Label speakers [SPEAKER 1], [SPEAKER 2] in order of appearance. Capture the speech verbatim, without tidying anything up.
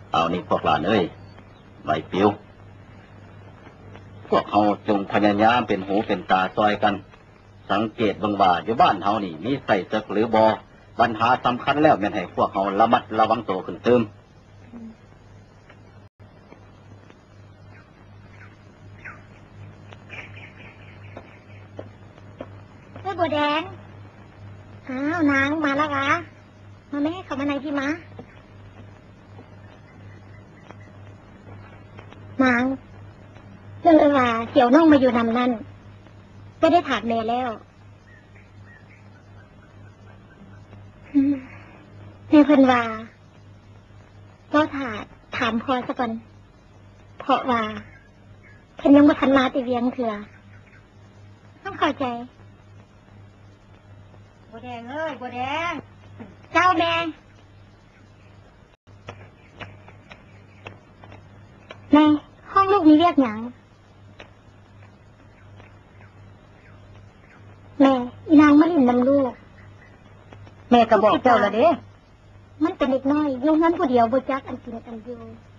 [SPEAKER 1] เอานี่พวกหลานเอ้ยใบปิวพวกเขาจงพยายามเป็นหูเป็นตาซอยกันสังเกตบังว่าอยู่บ้านเฮานี่มีใส่ศึกหรือบอปัญหาสำคัญแล้วแม่นให้พวกเขาระมัดระวังตัวขึ้นเติม
[SPEAKER 2] เฮ้ยบัวแดงอ้าวนางมาแล้วคะมาแม่เขามาไหนพี่มานางเรื่องเอว่าเสี่ยวน้องมาอยู่นำนั่นก็ได้ถามแม่แล้วแม่เพิ่นว่าก็ถามถามพอซะก่อนเพราะว่าเพิ่นยังบ่ทันมาติเวียงเถื่อต้องเข้าใจบัวแดงเอ้ยบัวแดงเจ้าแม่แม่ห้องลูกนี้เรียกหยังแม่อีนางมาลินนำลูกแม่ก็บอกเจ้าแล้วเด้มันเป็นเด็กน้อยอยู่งั้นผู้เดียวบ่จักอันกินอันอยู่